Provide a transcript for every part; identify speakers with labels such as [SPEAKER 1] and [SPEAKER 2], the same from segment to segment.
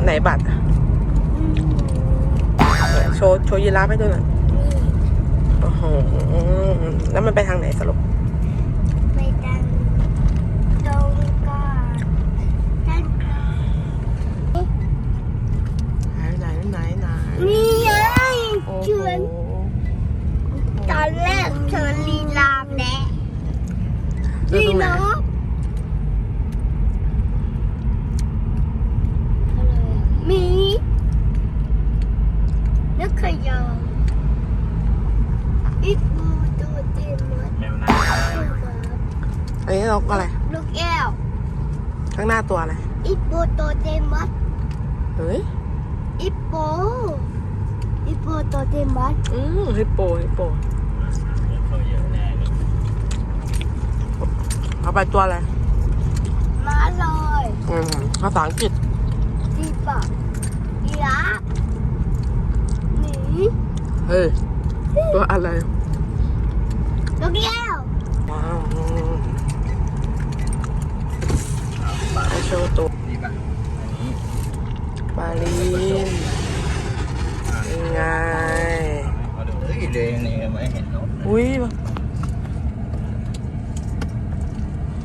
[SPEAKER 1] ไหนบัตรโชว์ยีราฟให้ดูหน่อยโอ้โหแล้วมันไปทางไหนสรุป
[SPEAKER 2] ไปทางตรงก่อนด้านก่อน
[SPEAKER 1] ไหน
[SPEAKER 2] นี่ไง
[SPEAKER 1] โอ้
[SPEAKER 2] เชิญตอนแรกเชิญลีลาแดะนี่นกมีนกขยออีกูตัวเต็มหมด
[SPEAKER 3] แมวน้
[SPEAKER 1] อันนี้นกอะไร
[SPEAKER 2] ลูกแก้ว
[SPEAKER 1] ข้างหน้าตัวอะไร
[SPEAKER 2] อีโปตัวเต็มหมด
[SPEAKER 1] เฮ้ย
[SPEAKER 2] อีโปตัวเต็มหมด
[SPEAKER 1] ฮิปโป
[SPEAKER 3] ำเขาเยอะแน่เลย
[SPEAKER 1] เอาไปตัวอะไร
[SPEAKER 2] มาเลย
[SPEAKER 1] ภาษาอังกฤษ
[SPEAKER 2] ที่ปากยีราฟหมี
[SPEAKER 1] เฮ้ยตัวอะไร
[SPEAKER 2] ลูกแก้ว
[SPEAKER 1] ว้าวไปโชว์ตัว
[SPEAKER 3] นี่ป่ะอันนี้
[SPEAKER 1] ปลาลีนยังไง
[SPEAKER 3] เขาดูเดินนี่ไม่เห็นนก
[SPEAKER 1] อุ้ยโอ้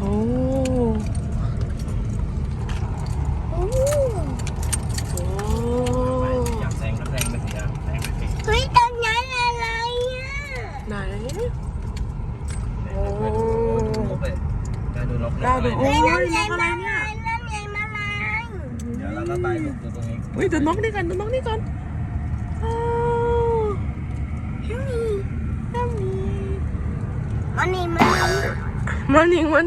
[SPEAKER 2] โอ้
[SPEAKER 1] โห
[SPEAKER 3] อยากแซงก็แซงไปสิครับแซงไปสิ
[SPEAKER 2] เฮ้ยตรงนั้นอะไรอ่ะ
[SPEAKER 1] ไหน
[SPEAKER 3] โอ้นกเลยกล้าดูนก
[SPEAKER 1] กล้าดู
[SPEAKER 3] เล
[SPEAKER 1] โอ้
[SPEAKER 3] ย
[SPEAKER 1] ย
[SPEAKER 2] น้ำใหญ่
[SPEAKER 1] นกอะไร
[SPEAKER 2] มา
[SPEAKER 1] เนี่ย
[SPEAKER 2] น้ำใหญ่มาลาย
[SPEAKER 3] เดี๋ยวเราก็ไปดูตรงนี้
[SPEAKER 1] อุ้ยดูนกนี่กันดูนกนี่กันอ้าว
[SPEAKER 2] น้ำมีมันนี่
[SPEAKER 1] มานิง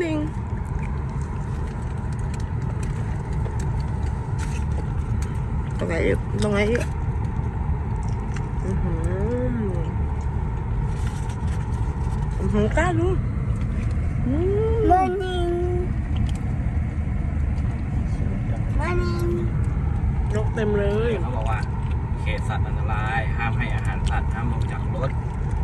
[SPEAKER 1] ตรงไหนอีกกล้าดู
[SPEAKER 2] มันนี่
[SPEAKER 1] นกเต็มเลย
[SPEAKER 3] เขาบอกว่าเขตสัตว์อันตรายห้ามให้อาหารสัตว์ห้ามลงจากรถ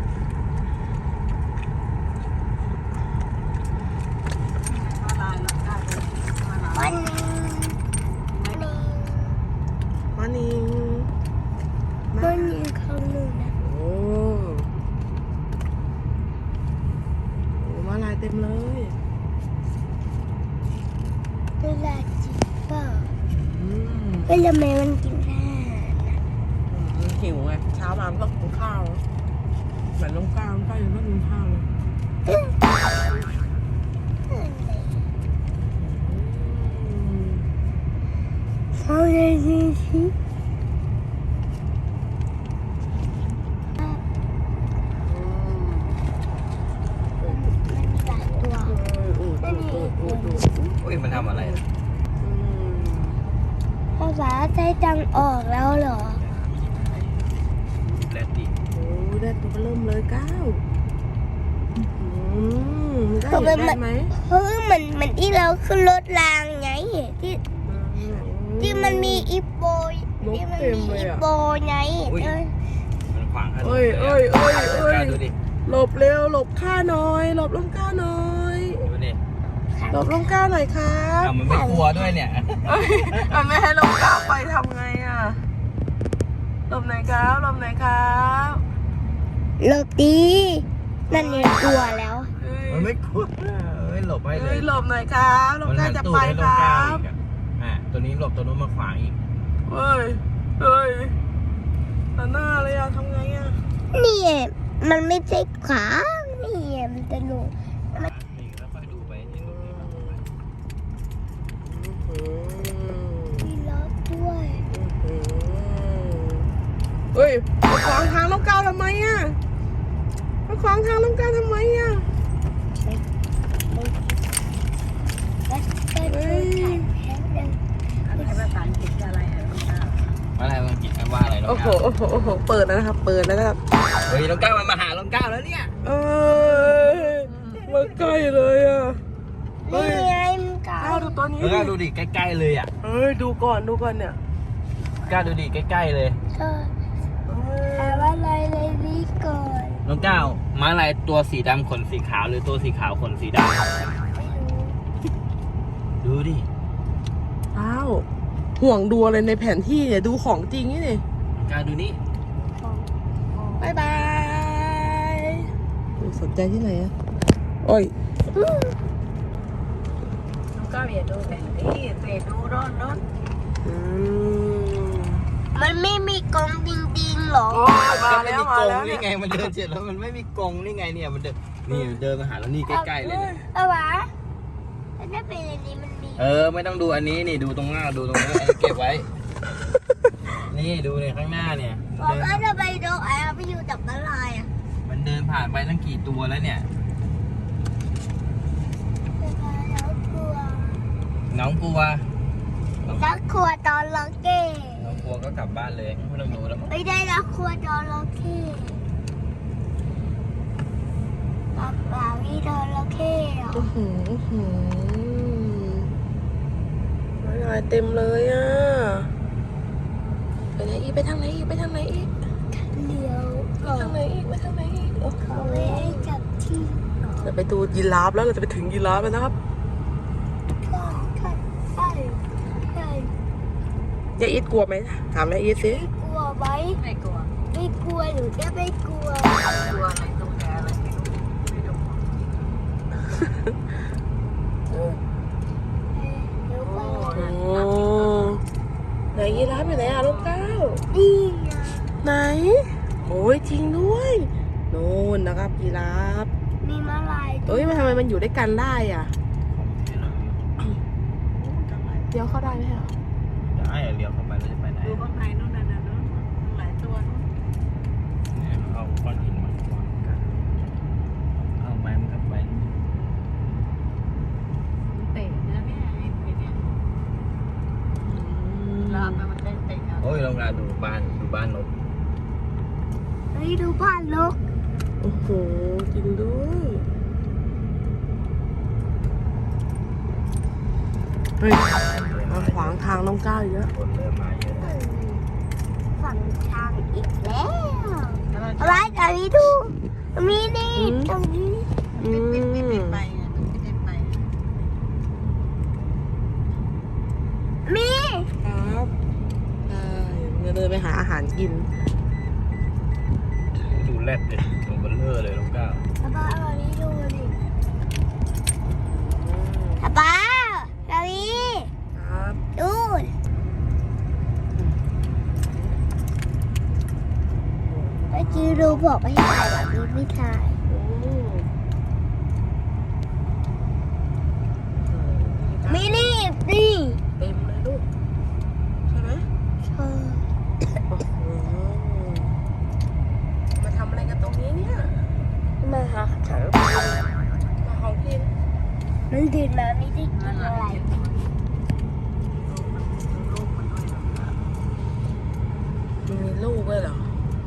[SPEAKER 2] มันนี่
[SPEAKER 1] มานิง
[SPEAKER 2] มันนี่ข้างนู้นนะ
[SPEAKER 1] โอ้มาลายเต็มเลย
[SPEAKER 2] เวลาจิบเปล่า
[SPEAKER 1] อืม
[SPEAKER 2] เวลาแม่มันกินข้าว
[SPEAKER 1] หิวไงเช้ามามันต้องกินข้าวเหมือนน้องก้าวยังไม่กินข้าวเลย
[SPEAKER 2] เขาเลยสิมันมีหลายตัว
[SPEAKER 3] อุ้ยมันทำอะไร
[SPEAKER 2] ภาษาไทยตังออกแล้วเหรอ
[SPEAKER 3] แรดดิ
[SPEAKER 1] โอ้ได้ตัวเริ่มเลยก้าวได้ไหม
[SPEAKER 2] เฮ้ยมันที่เราขึ้นรถรางไงที่มันมีอีโปที่มันมีอีโปไง
[SPEAKER 3] มันขวางถนน
[SPEAKER 1] เอ้ย
[SPEAKER 3] กล้าดูดิ
[SPEAKER 1] หลบเร็วหลบข้าหน่อยหลบลงก้าวหน่อย
[SPEAKER 3] ดูดิ
[SPEAKER 1] หลบลงก้าวหน่อยครับ
[SPEAKER 3] มันไม่กลัวด้วยเนี่ย
[SPEAKER 1] มันไม่ให้ลงก้าวไปทำไงอ่ะหลบไหนครับหลบไหนครับ
[SPEAKER 2] โรตีนั่นเนี่ยกลัวแล้ว
[SPEAKER 3] มันไม่กลัวหลบให้เล
[SPEAKER 1] เฮ้
[SPEAKER 3] ย
[SPEAKER 1] ยหลบหน่อยครับหลบก้าวจะไปครับ
[SPEAKER 3] ตัวนี้หลบตัวนู้นมาขวางอีก
[SPEAKER 1] เฮ้ยตัดหน้าเลยอ่ะทำไงอ่ะ
[SPEAKER 2] นี่มันไม่ใช่ขานี่มันจะหนู
[SPEAKER 3] นี่แล้วค่อยดูไปที่ตรงนี้
[SPEAKER 2] มีล้อด้วย
[SPEAKER 1] เฮ้ยมาขวางทางน้องก้าวทำไมอ่ะมาขวางทางน้องก้าวทำไมอ่ะ
[SPEAKER 2] แล้วก็ดูถ่ายแพ้เลย
[SPEAKER 3] อะไรมันกินว่าอะไรน้อง
[SPEAKER 1] โอ้โห
[SPEAKER 3] ก้าว
[SPEAKER 1] เปิดแล้วนะครับ เปิดแล้วนะครับ
[SPEAKER 3] เฮ้ยน้องก้าวมันมาหาน้องก้าวแล้วเนี่ย
[SPEAKER 1] มาใกล้เลยอ่ะ
[SPEAKER 2] นี่ไงมันกา
[SPEAKER 1] ก้าวดูตัวนี้
[SPEAKER 3] น้องก้าวดูดิใกล้ๆเลยอ่ะ
[SPEAKER 1] เฮ้ยดูก่อนเนี่ย
[SPEAKER 3] ก้าวดูดิใกล้ๆเลย
[SPEAKER 2] แต่ว่าเลยนี่ก่อน
[SPEAKER 3] น้องก้าวม้าลายตัวสีดำขนสีขาวหรือตัวสีขาวขนสีดำ
[SPEAKER 2] ไม่รู้
[SPEAKER 3] ดูดิ
[SPEAKER 1] อ้าวหห่วงดูอะไรในแผนที่เนี่ยดูของจริงนี่นี่
[SPEAKER 3] การดูนี่
[SPEAKER 1] บายบายสนใจที่ไหนอะโอ้ย
[SPEAKER 4] ก็อย่าดูแผนที่ไปดูรถ
[SPEAKER 1] อืม
[SPEAKER 2] มันไม่มีกรงจริงๆหรอ
[SPEAKER 1] มาแล้วมาแล้ว
[SPEAKER 3] นี่ไงมันเดินเสร็จแล้วมันไม่มีกรงนี่ไงเนี่ยมันเดินนี่เดินมาหาแล้วนี่ใกล้ๆเลยเนี่ย
[SPEAKER 2] เอาวะแล้วถ้าเป็นอันนี้มันมี
[SPEAKER 3] ไม่ต้องดูอันนี้นี่ดูตรงหน้าดูตรงนี้เก็บไว้ นี่ดูเนี่ยข้างหน้าเนี่ย
[SPEAKER 2] บอกว่าจะไปดูไอ้ไปอยู่จับอะไรอ่ะ
[SPEAKER 3] มันเดินผ่านไปตั้งกี่ตัวแล้วเนี่ย
[SPEAKER 2] แล้วกลัว
[SPEAKER 3] น้องกลัว
[SPEAKER 2] แล้วกลัวตอนล็อกเก้
[SPEAKER 3] น้องกลัวก็กลับบ้านเลยไม่ต้องดูแล้วมั้ง
[SPEAKER 2] ไม่ได้แล้วกลัวตอนล็อกเก้ป๊าป๊ามีตอนล็อกเก้เหรอ
[SPEAKER 1] อะไรเต็มเลยอ่ะไปไหนอีกไปทางไหนอีกไปทางไหนอีก
[SPEAKER 2] เลี้ยว
[SPEAKER 1] ไปทางไหนอีกไปทางไหนอีกโอ้โห
[SPEAKER 2] เขาไม่ให้จับที่
[SPEAKER 1] เราไปดูยีราฟแล้วเราจะไปถึงยีราฟแล้วนะครับ
[SPEAKER 2] ใช่
[SPEAKER 1] ยายอีทกลัวไหมถามยายอีทสิ
[SPEAKER 2] กลัวไหม
[SPEAKER 4] ไม่กลัว
[SPEAKER 2] ไม่กลัวหรือจะไม่กลัว
[SPEAKER 4] กลัวอะไรตรงแกอะไรไม่รู้ไม่รู้
[SPEAKER 2] เดี๋ยวไป
[SPEAKER 1] โอ้ไหนยีราฟอยู่ไหนอะลูกเก้า
[SPEAKER 2] นี่ไง
[SPEAKER 1] ไหนโอ้ยจริงด้วยนู่นนะครับยีราฟ
[SPEAKER 2] มีมาลาย
[SPEAKER 1] เอ้ยมันทำไมมันอยู่ด้วยกันได้อ่ะเดี๋ยวเข้าได้ไหมคะ
[SPEAKER 3] ได้เลี้ยวเข้าไปแล้วจะไปไหน
[SPEAKER 4] ดูข้างในนู่นนั่นน่ะเนาะหลายตัวนู่น
[SPEAKER 3] เอาก้อนหินมาวางกันเอาไม้มันเข้าไป
[SPEAKER 4] มันเตะนะเนี่ยไอ้เนี่ยลามไปมันเตะเอา
[SPEAKER 3] โอ้ยลองมาดูบ้านนก
[SPEAKER 2] เฮ้ยดูบ้านนก
[SPEAKER 1] โอ้โหจริงด้วยเฮ้ยมาขวางทางน้องก้าวอีกแล้ว
[SPEAKER 3] คนเริ่มมาเยอะแล้ว
[SPEAKER 2] ฝั่งทางอีกแล้ว
[SPEAKER 4] แล้วเรา
[SPEAKER 2] อะไรตรงนี้ดูมีนี่ตรงนี้
[SPEAKER 4] ปิดไปไงปิดไป
[SPEAKER 2] มี
[SPEAKER 1] ครับใช่จะเดินไปหาอาหารกิน
[SPEAKER 3] ดูแรดเลยตัวเบลเลอร์เลยน้องก้าว
[SPEAKER 2] ป้าเอาอันนี้ดูดิป้าเรานี้
[SPEAKER 1] ครับ
[SPEAKER 2] ดูเมื่อกี้ดูบอกไม่ให้ถ่ายแบบนี้ไม่ถ่าย
[SPEAKER 1] โอ้
[SPEAKER 2] มีนี่นี่
[SPEAKER 1] เต็มเลยลูกใช่ไหม
[SPEAKER 2] เออ
[SPEAKER 1] โอ้โหมาทำอะไรกันตรงนี้เนี่ย
[SPEAKER 2] มาหาถัง
[SPEAKER 1] มาของกิน
[SPEAKER 2] มันดื่นมาไม่ได้กิ
[SPEAKER 4] นั่น
[SPEAKER 2] น
[SPEAKER 4] แหละ
[SPEAKER 2] อะไร
[SPEAKER 4] ลูกมันด้วยนะ
[SPEAKER 1] มันมีลูกด้วยเหรอ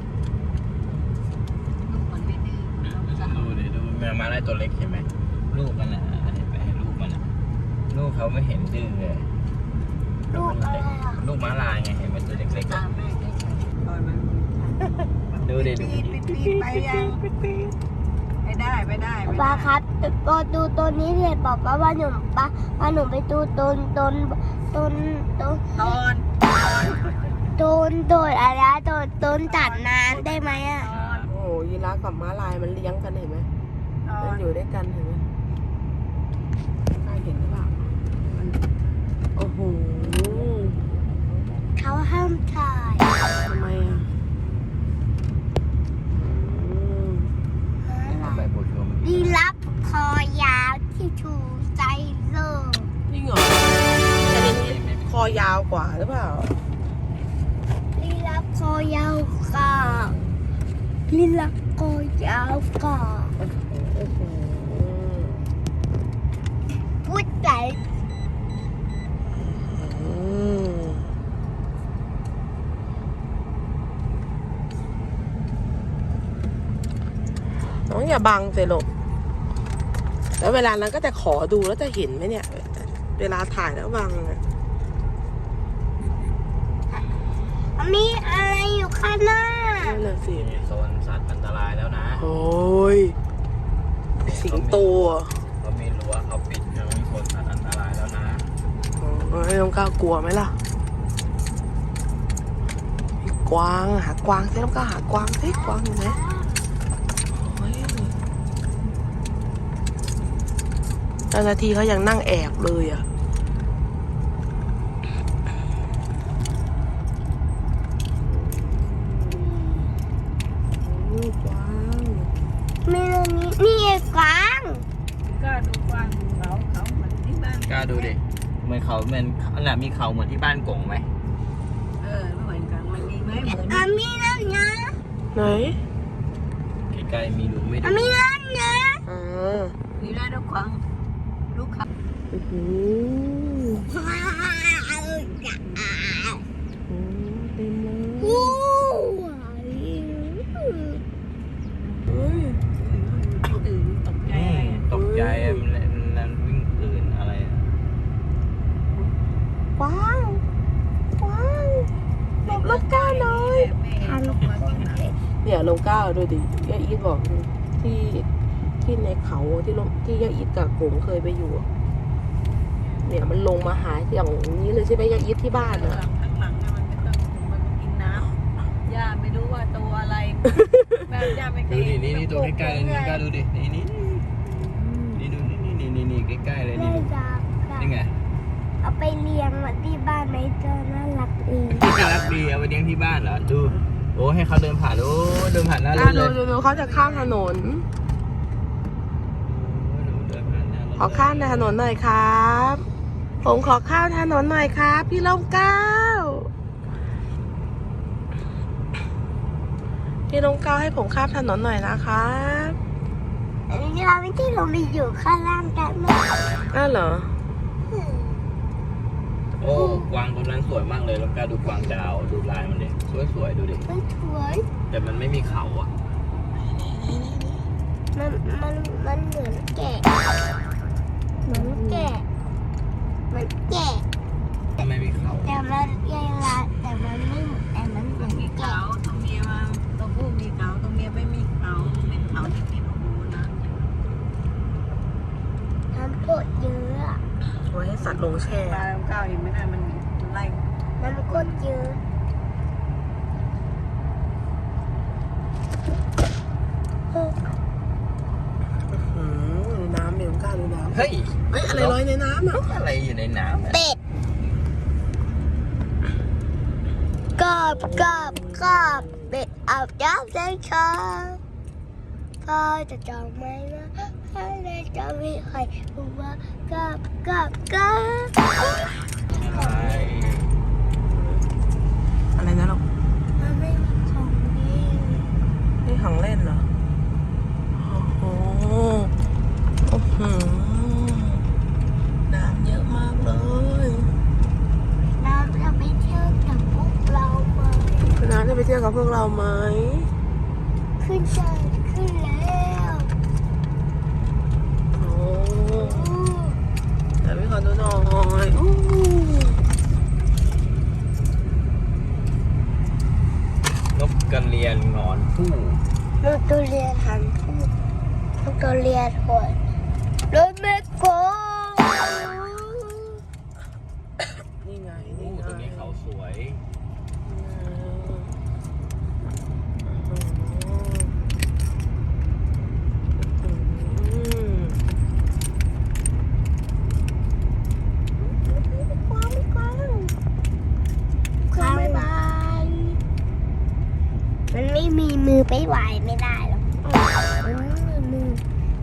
[SPEAKER 4] ลูกมันไม่ดื้อเราจะ
[SPEAKER 3] ดูดิดูแมวมาได้ตัวเล็กใช่ไหมลูกมันอ่ะเห็นไปให้ลูกมันอ่ะลูกเขาไม่เห็นดื้อเลย
[SPEAKER 2] ลูกอะไรอ่ะ
[SPEAKER 3] ลูกม้าลายไงเห็นมันตัวเล็กๆ
[SPEAKER 4] ตา
[SPEAKER 3] อ่ะ
[SPEAKER 4] มแม่ได้ใช่ปล่อยมัน
[SPEAKER 3] ดูดิดู
[SPEAKER 4] ปีไปยังไม่ได้ไม่ได้
[SPEAKER 2] ป้าครับพอดูต้นนี้เสร็จบอกว่าหนูป้าหนูไปดูต้น
[SPEAKER 4] ตอน
[SPEAKER 2] อะไรต้นตัดน้ำได้ไหมอ่ะ
[SPEAKER 1] โอ้โหยีราฟกับม้าลายมันเลี้ยงกันเห็นไหม
[SPEAKER 4] ตอ
[SPEAKER 1] มัน
[SPEAKER 4] น
[SPEAKER 1] อยู่ด้วยกันเห็นไหมใครเห็นหรือเปล่าโอ้โห
[SPEAKER 2] เขาห้ามถ่าย
[SPEAKER 1] ทำไมอ่ะอืม
[SPEAKER 3] ทำไมปวดหัวมัน
[SPEAKER 2] ดีรับคอยาวที่ชูใจโลก
[SPEAKER 1] จริงเหรอแต่ในนี้คอยาวกว่าหรือเปล่า
[SPEAKER 2] ดีรับคอยาวกว่าดีรับคอยาวกว่า
[SPEAKER 1] โอ้โห
[SPEAKER 2] พูดใจ
[SPEAKER 1] อืมน้องอย่าบังสิลูกแล้วเวลานั้นก็จะขอดูแล้วจะเห็นไหมเนี่ย เวลาถ่ายแล้วบังอะ
[SPEAKER 2] มีอะไรอยู่ข้างหน้า
[SPEAKER 1] นั่นน่ะสิ
[SPEAKER 3] นี่โซนสัตว์อันตรายแล้วนะ
[SPEAKER 1] โอ้ยสิงโตอ่ะ
[SPEAKER 3] เขามีรั้วเขาปิดเขามีโซนสัตว์อันตรายแล้วนะ
[SPEAKER 1] โอ้ยน้องก้าวกลัวไหมล่ะกวางหากวางสิแล้วก็หากวางสิกวางอยู่ไหนโอ้ยเจ้าหน้าที่เขายังนั่งแอบเลยอ่ะกวาง
[SPEAKER 2] มีตรงนี้นี่ไงกวาง
[SPEAKER 4] ก็ดูกวางเขาเหมือนที่บ้าน
[SPEAKER 3] กล้าดูดิเหมือนเขาเหมือนน่ะมีเขาเหมือนที่บ้านกงไหม
[SPEAKER 4] ไม่เหมือนกันมันมีไหมเหมือน
[SPEAKER 2] มีนั่นนะ
[SPEAKER 1] ไหน
[SPEAKER 3] ใกล้ๆมีดูไม่ดู
[SPEAKER 2] มีนั่นนะ
[SPEAKER 1] อ่า
[SPEAKER 4] มีได้ทุกครั้งลูกค้า
[SPEAKER 1] อื้อหือเต็มเลย
[SPEAKER 2] โอ้
[SPEAKER 1] เฮ้ย
[SPEAKER 4] ตื่นตกใจ
[SPEAKER 3] ตกใจมันวิ่งตื่นอะไรอะ
[SPEAKER 1] กวางกวางหลบลูกก้าวหน่อย
[SPEAKER 4] ทานลูกมากินอะไร
[SPEAKER 1] เนี่ยลงก้าวดูดิย่าอีทบอกที่ในเขาที่ย่าอีทกับกงเคยไปอยู่อะเนี่ยมันลงมาหาอย่างนี้เลยใช่ไหมย่าอีทที่บ้าน
[SPEAKER 4] ข้างห
[SPEAKER 1] อะ
[SPEAKER 4] ลังเนี่ยมันไม่ต้องมันกินน้ำย่าไม่รู้ว่าตัวอะไรแม่ย่าไม่เค
[SPEAKER 3] ดู
[SPEAKER 4] ย
[SPEAKER 3] ดินี่ตัวใกล้ๆเลยนี่กล้าดูดินี่ดูนี่ใกล้ๆเลย
[SPEAKER 2] แม่
[SPEAKER 3] นี่
[SPEAKER 2] จ๋า
[SPEAKER 3] นี่ไง
[SPEAKER 2] เอาไปเลี้ยงมาที่บ้านไหมเจอน่ารักเอง
[SPEAKER 3] น่ารักดีเอาไปเลี้ยงที่บ้านเหรอดูโอ้ให้เขาเดินผ่านโอ้เดินผ่านหน้ารถเลย
[SPEAKER 1] ดูเขาจะข้ามถนน
[SPEAKER 3] เดินผ่านหน้ารถ
[SPEAKER 1] ขอข้ามถนนหน่อยครับ ผมขอข้ามถนนหน่อยครับ พี่ลมเกล้าพี่ลมเกล้าให้ผมข้ามถนนหน่อยนะครับ
[SPEAKER 2] อันนี้เราไม่ที่เรามีอยู่ข้างล่างกันไหม
[SPEAKER 1] อ้าวเหรอ
[SPEAKER 3] โอ้กวางตัวนั้นสวยมากเลยแล้วกล้าดูกวางดาวดูลายมันดิสวยๆดูดิ
[SPEAKER 2] มันสวย
[SPEAKER 3] แต่มันไม่มีเขาอ่ะ
[SPEAKER 2] มันเหมือนแกะเหมือนแกะเหมือนแกะ
[SPEAKER 3] ไม่มีเขา
[SPEAKER 2] แต่มันใหญ่ละแต่มันไม่แต่มันเหมือน
[SPEAKER 4] มี
[SPEAKER 2] แกะ
[SPEAKER 4] เขาตัวเมียมาตัวผู้มีเขาตัวเมียไม่มีเขาเป็นเขาที่ติดหูนะ
[SPEAKER 2] น้ำกดเยอะอะ
[SPEAKER 1] ไว้ให้สัตว์ลงแช่
[SPEAKER 4] ปลาเก้าเห็นไหมนะมันไล่
[SPEAKER 2] น้ำกดเยอะ
[SPEAKER 1] อืมดูน้ำเมลกล้าดูน้ำ
[SPEAKER 3] เฮ้ย
[SPEAKER 1] เฮ้ยอะไรลอยในน้ำอ่ะ
[SPEAKER 3] อะไรอยู่ในน้ำอะ
[SPEAKER 2] เป็ดกอบเป็ดอาบน้ำได้ชาพ่อจะจองไหมนะพ่อจะไม่ใครบอกว่ากอบ
[SPEAKER 3] อะไร
[SPEAKER 1] อะไรนะลูก
[SPEAKER 2] มันไม่มีของดี
[SPEAKER 1] นี่ของเล่นเหรอ โอ้โหโอ้โหน้ำเยอะมากเลย
[SPEAKER 2] น้ำจะไปเที่ยวกับพวกเราไหม
[SPEAKER 1] น้ำจะไปเที่ยวกับพวกเราไหม
[SPEAKER 2] ขึ้นแล้ว
[SPEAKER 1] โอ้แต่ไม่ขอดูหน่อยอู้
[SPEAKER 3] นกกระเรียนหงอนผู้
[SPEAKER 2] ลูกตัวเรียนหันพูดลูกตัวเรียนหอยรถแม่โก
[SPEAKER 1] นี่ไง
[SPEAKER 3] ผู้
[SPEAKER 1] นี่ไง
[SPEAKER 3] ตรงนี้เขาสวย
[SPEAKER 2] บ๊ายบายมันไม่มีมือไปไหวไม่ได้หรอกมันไม่มีมือ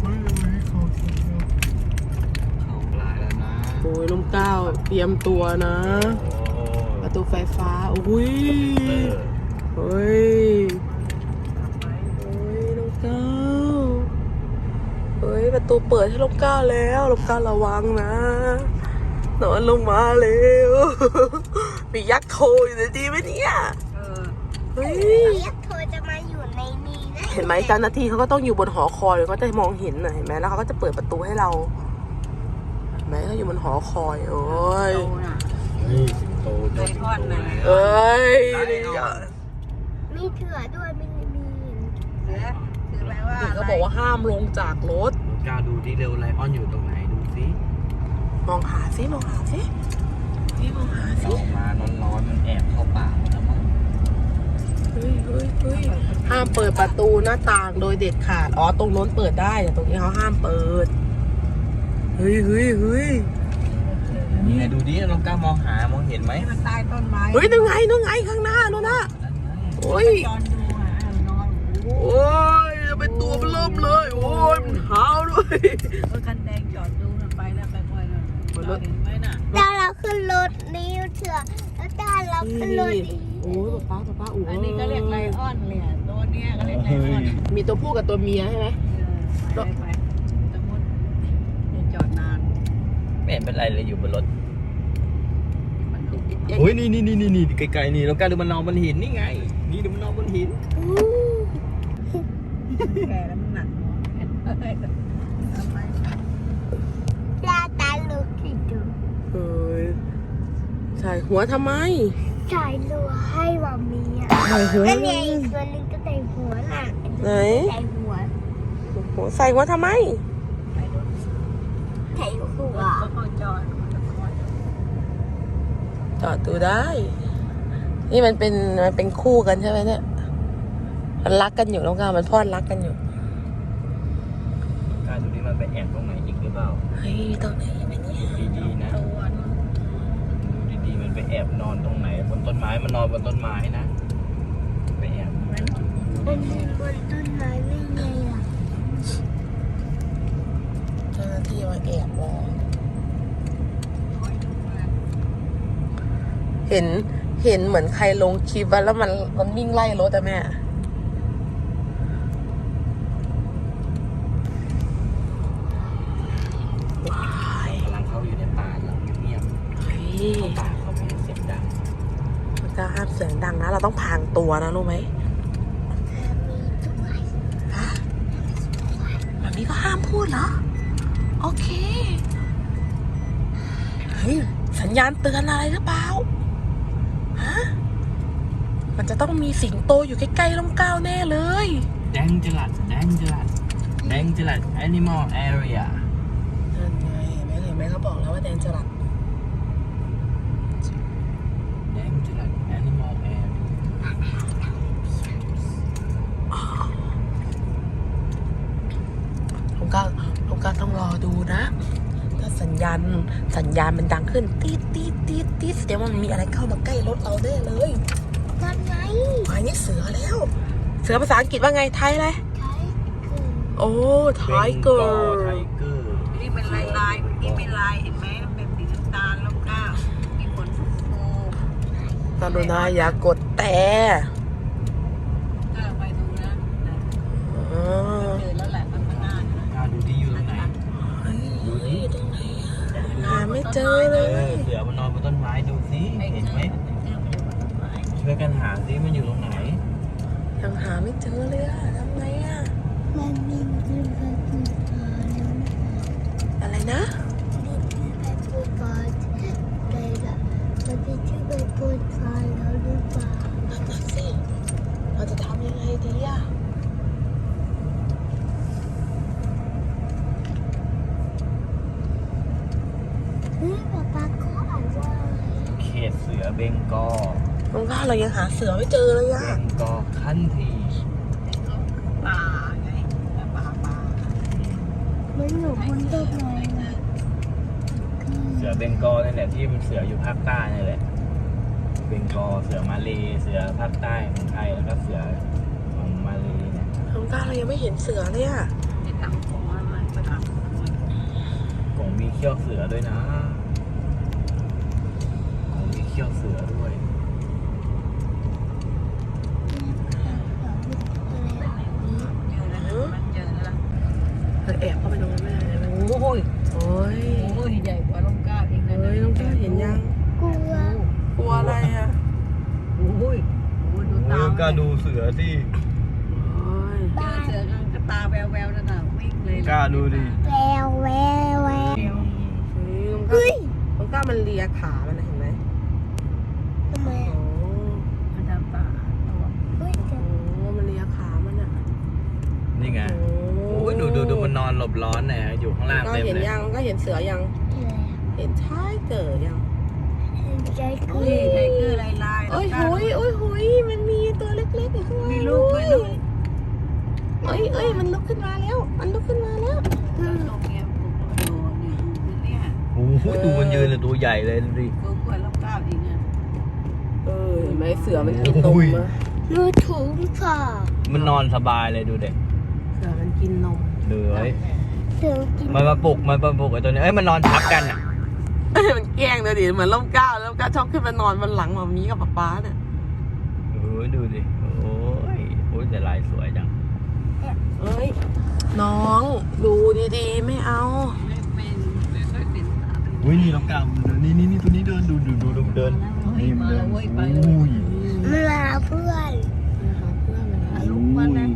[SPEAKER 3] เขาปลายแล้วนะ
[SPEAKER 1] โอ้ยลมเกล้าเตรียมตัวนะ
[SPEAKER 3] โอ้
[SPEAKER 1] ประตูไฟฟ้าอุ้ย
[SPEAKER 3] เออ
[SPEAKER 1] เฮ้ยเฮ้ยลมเกล้าเฮ้ยประตูเปิดให้ลมเกล้าแล้วลมเกล้าระวังนะนอนลงมาเร็ว มียักษ์โทรอยู่ในดีไหมเนี่ยเฮ้ย
[SPEAKER 2] ยักษ์โทรจะมาอยู่ในนี้นะ
[SPEAKER 1] เห็นไหมเจ้าหน้าที่เขาก็ต้องอยู่บนหอคอยเขาจะมองเห็นน่ะเห็นไหมแล้วเขาก็จะเปิดประตูให้เราเห็นไหมเขาอยู่บนหอคอยโอ้ย
[SPEAKER 4] โตน่ะ
[SPEAKER 3] นี่สิงโตเจ้าสิงโต
[SPEAKER 1] เอ้ย
[SPEAKER 2] มีเถื่อด้วยไม่มี
[SPEAKER 4] เสือคือแปลว่า
[SPEAKER 1] เขาบอกว่าห้ามลงจากรถ
[SPEAKER 3] กล้าดูที่เร็วไลออนอยู่ตรงไหนดูสิ
[SPEAKER 1] มองหาสิมองหาสินี่มองหาสิ
[SPEAKER 3] ออกมาร้อนๆมันแอบเข้าป่าแล้วมั้ง
[SPEAKER 1] สห้ามเปิดประตูหน้าต่างโดยเด็ดขาด อ๋อ ตรงโน้นเปิดได้แต่ตรงนี้เขาห้ามเปิด เฮ้ย
[SPEAKER 3] นี่ไงดูดิน้องก้ามองเห็นไหม
[SPEAKER 4] มันใต้ต้นไม้
[SPEAKER 1] เฮ้ยนู่นไงข้างหน้านู่นน่ะ
[SPEAKER 3] นั่นไง
[SPEAKER 1] โอ้ย
[SPEAKER 4] จอนดูอ่ะนอนโอ้โห
[SPEAKER 1] โอ้ยเป็นตัวมันเริ่มเลย โอ้ยมันหาวด้วย
[SPEAKER 4] รถคันแดงจอดดูมันไปแล้วไปบ่อยแล้ว
[SPEAKER 1] บนรถ
[SPEAKER 4] เห็นไหมน่ะ
[SPEAKER 2] ตาเราขึ้นรถนี้เถอะแล้วตาเราขึ้นรถนี้
[SPEAKER 1] โอ้ยป๊าโอ้ย
[SPEAKER 4] อันนี้ก็เรียกไลออนเลยอ่ะตัวเนี้ยก็เรียกไลออน
[SPEAKER 1] มีตัวผู้กับตัวเมียใช่ไหม
[SPEAKER 4] ไปสมมติอย่าจอดนาน
[SPEAKER 3] ไม่เห็นเป็นไรเลยอยู่บนรถ
[SPEAKER 4] มันดู
[SPEAKER 3] โอ้ยนี่ไกลๆนี่น้องก้าดูมันนอนบนหินนี่ไง นี่ดูมันนอนบนหิน
[SPEAKER 4] แก่แล้วมันหนักหัวทำไม
[SPEAKER 2] ตาลูกที่ดู
[SPEAKER 1] เฮ้ยใส่หัวทำไม
[SPEAKER 2] ใส่รัวให้มามีอ่ะ
[SPEAKER 1] ใส่หัว
[SPEAKER 2] อันนี้อีกตัวนึงก็ใส่หัวน่ะ
[SPEAKER 1] ไหน
[SPEAKER 2] ใส่หัว
[SPEAKER 1] ใส่หัวทำไม
[SPEAKER 4] ไปรถ
[SPEAKER 2] ใส่หัว
[SPEAKER 4] ก็เข้าจอดมันจะคอย
[SPEAKER 1] จอดดูได้ นี่มันเป็นคู่กันใช่ไหมเนี่ย มันรักกันอยู่น้องกามันพอดรักกันอยู่
[SPEAKER 3] ก้าดูดิมันไปแอบตรงไหนอีกหรือเปล่า
[SPEAKER 1] เฮ้ยตรงไหนเนี่ย
[SPEAKER 3] ดีๆนะ
[SPEAKER 4] ตัวนู้น
[SPEAKER 3] ดูดีๆมันไปแอบนอนตรงไหนบนต้นไม้มันนอนบนต้นไม้นะไปแอบ
[SPEAKER 4] มัน
[SPEAKER 2] มันมีบนต้นไม้ไม่ไงล่ะ
[SPEAKER 1] เจ้าหน้าที่มาแอบมอง
[SPEAKER 4] คอยดูว่า
[SPEAKER 1] เห็นเหมือนใครลงคลิปแล้วมันวิ่งไล่รถอะแม่
[SPEAKER 3] กำลังเข้าอยู่ในป่าแล้วเงียบ
[SPEAKER 1] เฮ้ย
[SPEAKER 3] ๆป่าเขาไม่ให้เสียงดัง
[SPEAKER 1] มันก็ห้ามเสียงดังนะ เราต้องพรางตัวนะรู้ไหม
[SPEAKER 2] มีด้วย
[SPEAKER 1] ฮะแบบนี้ก็ห้ามพูดเหรอ โอเค เฮ้ย สัญญาณเตือนอะไรหรือเปล่า ฮะ มันจะต้องมีสิงโตอยู่ใกล้ๆร่มเกล้าแน่เลย
[SPEAKER 3] Dangerous Animal Area
[SPEAKER 1] นั่นไงเห็นไหมเขาบอกแล้วว่าแดนจรัส
[SPEAKER 3] Dangerous Animal Area
[SPEAKER 1] ลุงก้าต้องรอดูนะ ถ้าสัญญาณมันดังขึ้นตีดแสดงว่ามันมีอะไรเข้ามาใกล้รถเราแน่เลย
[SPEAKER 2] นั่นไง
[SPEAKER 1] หมายนี่เสือแล้ว เสือภาษาอังกฤษว่าไงไทยอะไร
[SPEAKER 2] ใช่คือ
[SPEAKER 1] โอ้ไทเกอ
[SPEAKER 3] Bengal
[SPEAKER 1] ร์
[SPEAKER 3] Tiger
[SPEAKER 4] นี่เป็นลายเมื่อกี้เป็นลายเห็นไหมมันเป็นสีน้ำตาลแล้วก็มีขนฟู
[SPEAKER 1] กรุณาอย่ากดแต่
[SPEAKER 4] ก็ไปดูนะ
[SPEAKER 1] อ๋อ
[SPEAKER 4] เจอแล้วแหละมันข้างหน้านะ
[SPEAKER 3] ดูที่อยู่ตรงไหน
[SPEAKER 1] เฮ้ยตรงไหนอะหาไม่เจอเลย
[SPEAKER 3] เสือมันนอนบนต้นไม้ดูสิ
[SPEAKER 4] ไอ้
[SPEAKER 3] เห็นไหม
[SPEAKER 4] เจอมันอยู่บนต้นไม้
[SPEAKER 3] ช่วยกันหาสิมันอยู่ตรงไหน
[SPEAKER 1] ยังหาไม่เจอเลยอะทำไงอะ
[SPEAKER 2] มันมีขึ้นไปปูปลาแล้ว
[SPEAKER 1] อะไรนะ
[SPEAKER 2] มีขึ้นไปปูปลาได้ละมันจะขึ้นไปปูปลาแล้วหรือเปล่า
[SPEAKER 1] นั่นน่ะสิเราจะทำยังไงดีอะ
[SPEAKER 2] เฮ้ยป๊าก็อ่านว่าอะไร
[SPEAKER 3] เขตเสือเบงกอล
[SPEAKER 1] น้องก้าเรายังหาเสือไม่เจอเลย
[SPEAKER 3] เบ
[SPEAKER 1] อะ
[SPEAKER 3] งกอลคันที
[SPEAKER 4] ป่าไงป่า
[SPEAKER 2] มันอยู่บนต้นไม้นะ
[SPEAKER 3] เสือเบงกอลนี่แหละที่มันเสืออยู่ภาคใต้นี่แหละเบงกอลเสือมาเลเสือภาคใต้ของไทยแล้วก็เสือของมาเลเนี่ย
[SPEAKER 1] น้องก้าเรายังไม่เห็นเสือเลยอะ
[SPEAKER 4] ไอ้ตังของอะไรไปทำ
[SPEAKER 3] กงมีเขี้ยวเสือด้วยนะกงมีเขี้ยวเสือด้วย
[SPEAKER 4] เจอแล้ว
[SPEAKER 1] เราแอบเข้าไปตรงนั้นไม่ได้เลย
[SPEAKER 4] โอ้ย
[SPEAKER 1] โอ้ย
[SPEAKER 4] โอ้ยใหญ่กว่าลมก้าอีกนะ
[SPEAKER 1] เฮ้ยน้องก้าเห็นยัง
[SPEAKER 2] กลัว
[SPEAKER 1] กลัวอะไรอะ
[SPEAKER 4] โอ้ยดูตา
[SPEAKER 3] ก็ดูเสือที่
[SPEAKER 1] โอ้ย
[SPEAKER 4] เจอเสือก็ตาแววๆนั่นน่ะวิ่งเลย
[SPEAKER 2] แววแววแวว
[SPEAKER 1] เฮ้ยน้องก้ามันเลียขามันนะเห็นไหม
[SPEAKER 2] ทำไม
[SPEAKER 1] โอ้
[SPEAKER 4] มันทำตาตัว
[SPEAKER 2] เฮ้ยจะ
[SPEAKER 1] โหมันเลียขามันอะ
[SPEAKER 3] นี่ไงโอ้ยดูมันนอนหลบร้อนเนี่ยอยู่ข้างล่าง
[SPEAKER 1] ก็
[SPEAKER 3] เต็ม
[SPEAKER 1] เห็น
[SPEAKER 3] เลย
[SPEAKER 1] ยังก็เห็นเสือยัง
[SPEAKER 2] อะไร
[SPEAKER 1] เห็นชายเกิดยัง
[SPEAKER 2] ใจกู
[SPEAKER 4] นี่ไทเกอร์ลาย
[SPEAKER 1] โอ้ยหุยมันมีตัวเล็กๆอยู่ข้างล่าง
[SPEAKER 4] มีลูกไหมลูก
[SPEAKER 3] ดูมันยืนเลยตัวใหญ่เลยดูดิ
[SPEAKER 4] ตัวกล้วยรับก้าวอีกเนี่ย
[SPEAKER 1] เห็นไหมเสือมันกินนมอะ
[SPEAKER 2] ดูถุงค่ะ
[SPEAKER 3] มันนอนสบายเลยดูเด็ก
[SPEAKER 1] เสือมันกินนม
[SPEAKER 3] ดูไว้
[SPEAKER 2] ถึงกิน
[SPEAKER 3] มันมาปลุกไอ้ตัวนี้เอ้ยมันนอนทับกันอ่ะ
[SPEAKER 1] มันแกล้งเลยดิเหมือนล่มเกล้าแล้วก็ชอบขึ้นมานอนบนหลังหมามีกับป๊าเนี่ย
[SPEAKER 3] ดูดิโอ้ยแต่ลายสวยจัง
[SPEAKER 1] เอ้ยน้องดูดีๆไม่เอา
[SPEAKER 4] ไม่ค่อยเป็น
[SPEAKER 3] อุ้ยนี่ลองกาวนี่ตัวนี้เดินดูเดิน
[SPEAKER 4] นี่มาแล้วเว้ยไปเลย
[SPEAKER 3] อุ้ย
[SPEAKER 2] มันมาเพื่อน
[SPEAKER 1] นะคะเพื่อนมันมา
[SPEAKER 4] ลูกมันนะ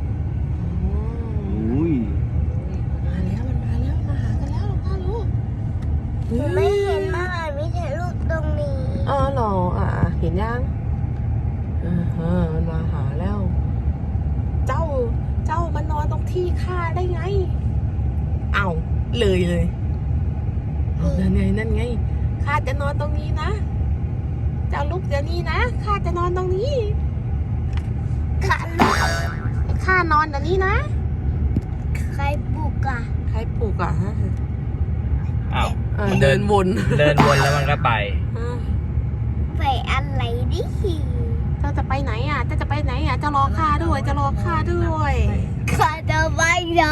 [SPEAKER 3] อุ้ย
[SPEAKER 1] มาแล้วมันมาแล้วมาหากันแล้วลูกค้าลูก
[SPEAKER 2] ไม่เห็นมาไม่เห็นลูกตรงนี้
[SPEAKER 1] อ๋อเหรอเห็นยังมันมาหาแล้ว เจ้ามันนอนตรงที่ข้าได้ไงเอาเลยนั่นไงข้าจะนอนตรงนี้นะเจ้าลุกเดี๋ยวนี้นะข้าจะนอนตรงนี้
[SPEAKER 2] ขันลูก
[SPEAKER 1] ข้านอนเดี๋ยวนี้นะ
[SPEAKER 2] ใครปลุกอ่ะ
[SPEAKER 1] ใครปลุกฮะ
[SPEAKER 3] อ้าว
[SPEAKER 1] เดินวน
[SPEAKER 3] เดินวนแล้วมันก็ไป
[SPEAKER 2] ไปอะไรดิ
[SPEAKER 1] เจ้าจะไปไหนเจ้าจะไปไหนจะรอข้าด้วยจะรอข้าด้วย
[SPEAKER 2] ข้าจะไปไหน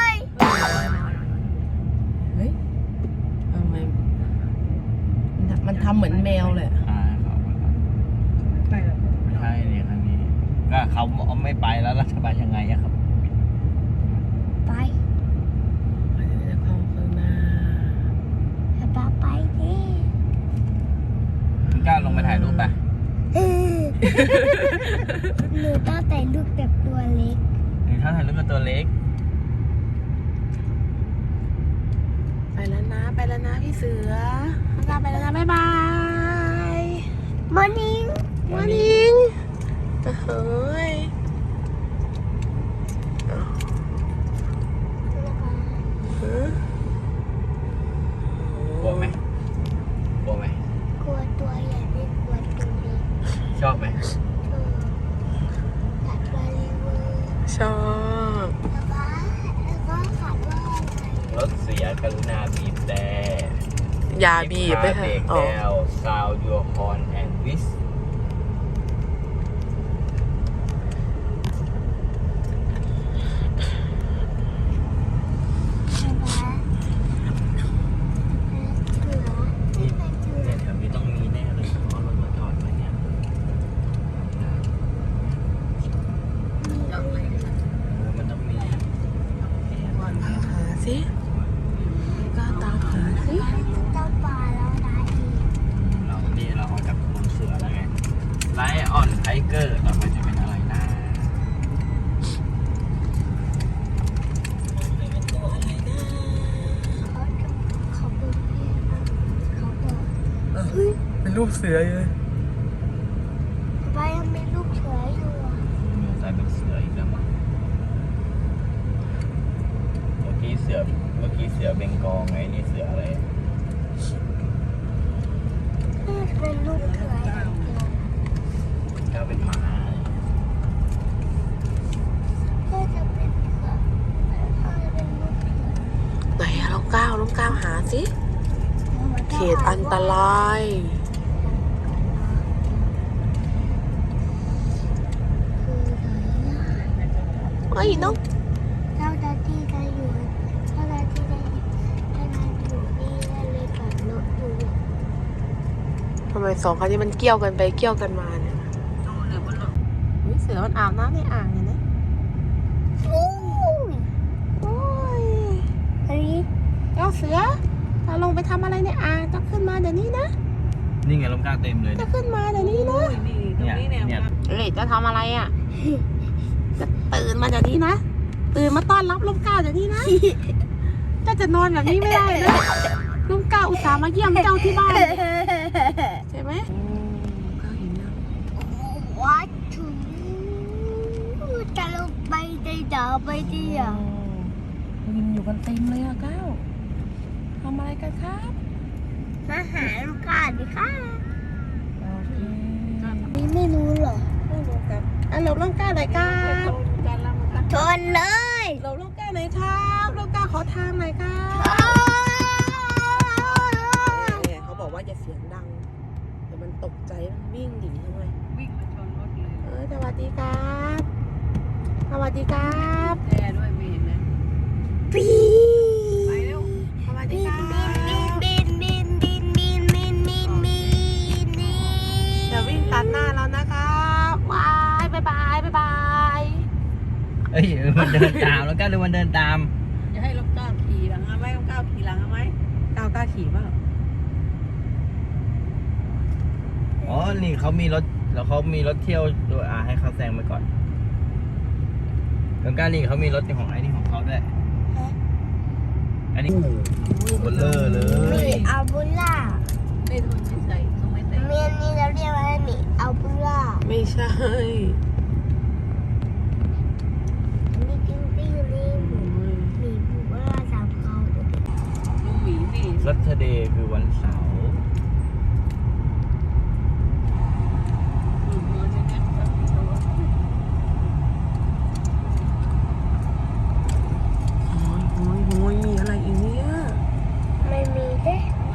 [SPEAKER 1] เฮ้ยทำไมมันทำเหมือนแมวเลย
[SPEAKER 4] ไปแล้ว
[SPEAKER 3] ไม่ใช่เนี่ยครั้งนี้ก็เขาไม่ไปแล้วเราจะไปยังไงอะครับ
[SPEAKER 2] ไป
[SPEAKER 1] มันจะเข้าข้างหน้า
[SPEAKER 2] ป้าไปดิ
[SPEAKER 3] คุณกล้าลงไปถ่ายรูปไป
[SPEAKER 2] หนูต้องแต่ลูกแบบตัวเล็ก
[SPEAKER 3] หรือถ้าถ่ายรูปกับตัวเล็ก
[SPEAKER 1] ไปแล้วนะพี่เสือลาไปแล้วนะบ๊ายบาย
[SPEAKER 2] มอร์นิ่ง
[SPEAKER 1] วันนิงเฮ้ย
[SPEAKER 3] กลัวไหมกลัวไหม
[SPEAKER 2] กลัวตัวใหญ่ไม่กลัวตัวเล็ก
[SPEAKER 3] ชอบไหม
[SPEAKER 2] ตัดบาลีเวอร์
[SPEAKER 1] ชอบ
[SPEAKER 2] แล้วก็ขัดว่าอะไร
[SPEAKER 3] รถเสียกรุณาบีบแต่
[SPEAKER 1] ยาบีบไป
[SPEAKER 3] เบร
[SPEAKER 1] ค่ะ
[SPEAKER 3] ก
[SPEAKER 1] อ๋อ
[SPEAKER 3] แล้ว sound your horn and whistle นี่เนี่ยแถวนี้ต้องมีแน่เลยเพราะรถมาจอดไว้เนี่ยมันต้องมี
[SPEAKER 1] หาสิก็ตามหาสิ
[SPEAKER 2] เจ้าปลาแล้วนะอีก
[SPEAKER 3] เราออกจากเมืองเสือแล้วไงไลออนไทเกอร์ต่อไปจะเป็นอะไรนะ
[SPEAKER 2] เขาบอกเขาบอกเฮ้ย
[SPEAKER 1] เป็นรูปเสือเลย
[SPEAKER 2] ป้ายังมีลูกเสืออยู่อ่ะ
[SPEAKER 3] มีสายเป็นเสืออีกแล้วมั้งเมื่อกี้เสือเบงกอลไงนี่เสืออะไร
[SPEAKER 2] น่าจะเป็นลูกเสืออย่างเดียว
[SPEAKER 3] ก็เป็นหมา
[SPEAKER 2] น่าจะเป็นเสือน่าจะเป็นลูกเสือ
[SPEAKER 1] ไหนลองก้าวหาสิเขตอันตรายเฮ้ยน้อง
[SPEAKER 2] เจ้าหน้าที่ได้อยู่เจ้าหน้าที่ได้อยู่นี่ได้เลยกับรถอยู่
[SPEAKER 1] ทำไมสองคันนี้มันเกี่ยวกันไปเกี่ยวกันมาเนี่ย
[SPEAKER 4] เดี๋ยวมันหลบ
[SPEAKER 1] เฮ้ยเสือมันอาบน้ำในอ่างเนี่ยนะ
[SPEAKER 2] โอ้ย
[SPEAKER 1] โอ้ย
[SPEAKER 2] เฮ้ย
[SPEAKER 1] เจ้าเสือเราลงไปทำอะไรในอ่างจะขึ้นมาเดี๋ยวนี้นะ
[SPEAKER 3] นี่ไงลมกล้าเต็มเลย
[SPEAKER 1] จะขึ้นมาเดี๋ยวนี้นะ
[SPEAKER 4] โอ้ยนี่ตรงนี้เนี่ย
[SPEAKER 1] เอ้ยจะทำอะไรอ่ะ จะตื่นมาเดี๋ยวนี้นะ ตื่นมาต้อนรับลมเกล้าเดี๋ยวนี้นะ เจ้าจะนอนแบบนี้ไม่ได้นะลมเกล้าอุตส่าห์มาเยี่ยมเจ้าที่บ้านใช่ไหมก็เห็นแล้ว
[SPEAKER 2] วัดถึงจะลงไปได้เดาไปดิอ่ะ
[SPEAKER 1] วินอยู่กันเต็มเลยอะเก้าทำอะไรกันครับ
[SPEAKER 2] มาหาลูกค้าดิค่ะ
[SPEAKER 1] โอเค
[SPEAKER 2] นี่ไม่รู้เหรอ
[SPEAKER 1] ไม่รู้ครับหลบลมเกล้าหน่อยครับ
[SPEAKER 4] การละมัน
[SPEAKER 2] ชนเลย
[SPEAKER 1] หลบลมเกล้าหน่อยครับลมเกล้าขอทางหน่อยครับ
[SPEAKER 2] โอ้
[SPEAKER 1] จะเสียงดังเดี๋ยวมันตกใจมันวิ่งหนีทำไม
[SPEAKER 4] วิ่งมาชนรถเลย
[SPEAKER 1] สวัสดีครับสวัสดีครับ
[SPEAKER 4] แย่ด้วยไม่เห็นเลย
[SPEAKER 2] ปี
[SPEAKER 4] ไปเร็ว
[SPEAKER 1] สวัสดี
[SPEAKER 2] บิ
[SPEAKER 1] คน รับ
[SPEAKER 2] บินบินบินบินบินบินบินบิน
[SPEAKER 1] อย่าวิ่งตัดหน้าเรานะครับว้ายบายบายบายบาย
[SPEAKER 3] เอ้ยมันเดินตามแล้วก็ดูมันเดินตาม
[SPEAKER 4] อย่าให้ลบก้าวขี่หลังเอาไหมลบก้าวขี่หลังเอาไหม
[SPEAKER 1] ก้าวกล้าขี่เปล่า
[SPEAKER 3] อ๋อ นี่เขามีรถแล้วเขามีรถเที่ยวด้วยให้เขาแซงไปก่อนแล้วก็นี่เขามีรถของไอ้นี่ของเขาด้วย อันนี้เบลเลอร์เล
[SPEAKER 2] มี
[SPEAKER 3] ย
[SPEAKER 2] อัลบูล่า
[SPEAKER 4] ไม่ทนไม่ใส่ทนไม่ใส่
[SPEAKER 2] เมียนนี่เราเรียกว่ามีอัลบูล่า
[SPEAKER 1] ไม่ใช่
[SPEAKER 2] นี่กิ้งกิ้งนี่หมูมีบูล่าสามเขา
[SPEAKER 4] ลูกหมีสิ
[SPEAKER 3] รัตเดย์คือวันเสาร์
[SPEAKER 4] ลูกหัวจะงัดกับตัว
[SPEAKER 1] โอ้ยมีอะไรอีกเนี่ย
[SPEAKER 2] ไม่มีเด้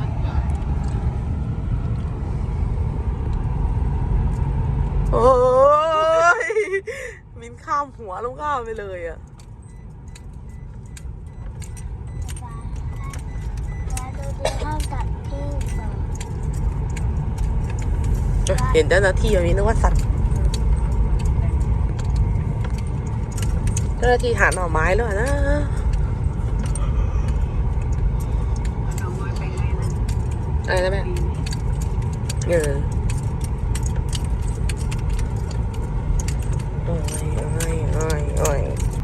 [SPEAKER 1] โอ้ยมินข้ามหัวลงข้ามไปเลยอ่ะ
[SPEAKER 2] แล้วดูที่ข้าวสัตว์ที่สอง
[SPEAKER 1] เห็นเจ้าหน้าที่แบบนี้นึกว่าสัตว์เจ้าหน้าที่หาหน่อไม้แล้วนะ
[SPEAKER 4] เอาไม้ไปให้นะ
[SPEAKER 1] อะไรนะแม่
[SPEAKER 4] ปีนี้
[SPEAKER 1] เออโอ้ยโอ้ยโอ้ยโอ้ย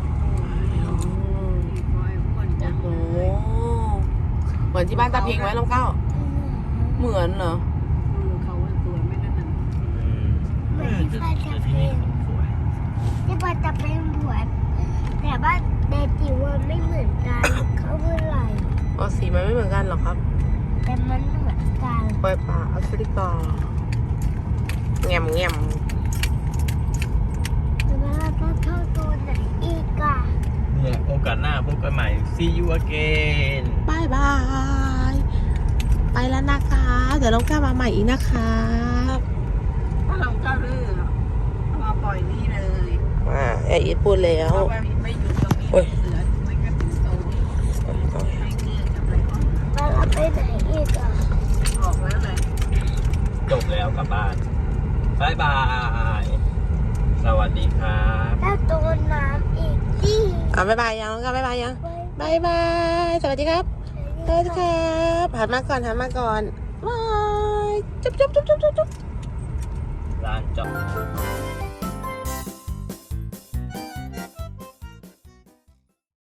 [SPEAKER 4] มีคอยอ้วนจัง
[SPEAKER 1] โอ้
[SPEAKER 4] เลย
[SPEAKER 1] เหมือนที่บ้านตาเพ็งไหมลองเก้าเหมือนเหรอ
[SPEAKER 4] เขาว่าสวยไม่นั่นน่ะ
[SPEAKER 2] เหมือนที่ป้าจะเป็นที่ป้าจะเป็นบวชแต่ว่าแต่จิ๋วมันไม่เหมือนกันเขาเมื่อไหร่
[SPEAKER 1] อ๋อสีมันไม่เหมือนกันหรอครับ
[SPEAKER 2] แต่มันเหมือนกัน
[SPEAKER 1] ปล่อยป่าแอฟริกาแง่มแง่ม
[SPEAKER 2] แต่ว่าเราต้องเข้าตัวไหนอีกอะ
[SPEAKER 3] เนี่ยโอกาสหน้าพบกันใหม่ see you again
[SPEAKER 1] บายบาย ไปแล้วนะคะเดี๋ยวลองก้ามาใหม่อีกนะครับ
[SPEAKER 4] ถ้าเราก้าวลื่นมาปล่อยนี่เลย
[SPEAKER 1] ไอ้อีทพูดแล้ว
[SPEAKER 4] เอาไปไม่อยู่ตรงนี้
[SPEAKER 1] โอ้ย
[SPEAKER 4] เสือไม่ก็ถึงโตนี่ให้เกลือจะไปอ่อน
[SPEAKER 2] แล้วเราไปไหนอีกอะ
[SPEAKER 4] บอกแล้วเลย
[SPEAKER 3] จบแล้วกลับบ้านบายบาย สวัสดีครับ
[SPEAKER 2] แล้วตัวน้ำอีกที่
[SPEAKER 1] บายบายยังลองก้าบายบายยังบายบาย สวัสดีครับ สวัสดีครับหันมาก่อนหันมาก่อนบายจุ๊บจุ๊บจุ๊บจุ๊บจุ๊บ
[SPEAKER 3] ร้านจอด